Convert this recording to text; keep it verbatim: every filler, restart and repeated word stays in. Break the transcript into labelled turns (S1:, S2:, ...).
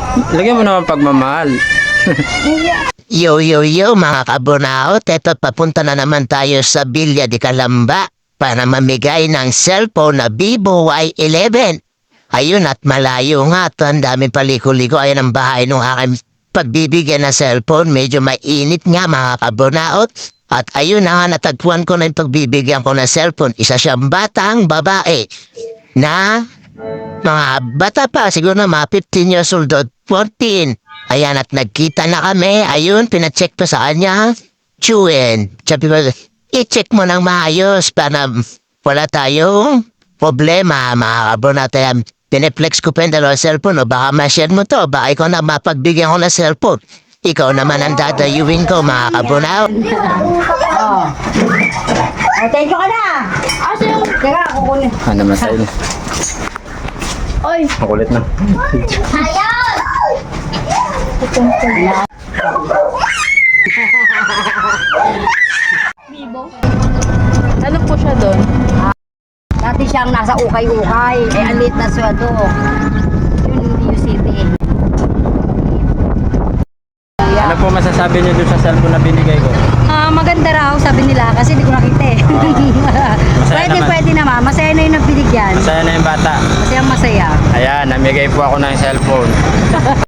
S1: Lagyan mo naman pagmamahal.
S2: Yo, yo, yo, mga kabunaot. Eto, papunta na naman tayo sa Villa de Calamba para mamigay ng cellphone na Vivo Y eleven. Ayun, at malayo nga. At ang daming paliko-liko. Ayan ang bahay nung aking pagbibigyan ng cellphone. Medyo mainit nga, mga kabunaot. At ayun na nga, natagpuan ko na yung pagbibigyan ko ng cellphone. Isa siyang batang babae na mga bata pa, siguro na mga fifteen years old o fourteen. Ayan, at nagkita na kami. Ayun, pinacheck pa sa kanya. Chewin. Sabi ko, i-check mo ng maayos para wala tayong problema, mga kabro natin. Pineflex ko pa yung dalawang cellphone. O baka ma-share mo to. Baka ikaw na mapagbigyan ko ng cellphone. Ikaw naman ang dadayuin ko, mga kabro na.
S3: Oh. Oh, thank you ka na. Asa yung... Teka, kukunin.
S1: Ano masay?
S3: Oy.
S1: Makulit na.
S3: Ayaw!
S4: Ano po siya doon?
S3: Dati siyang nasa ukay-ukay. Eh, alit na sweldo. Yun, yung city.
S1: Ano po masasabi niyo doon sa cellphone na binigay ko?
S3: Ah, maganda raw, sabi nila, kasi di ko nakita eh.
S1: Masaya
S3: pwede,
S1: naman.
S3: pwede naman. Masaya na yung nabinigyan.
S1: Masaya na yung bata.
S3: Masaya, masaya.
S1: Ayan, namigay po ako ng cellphone.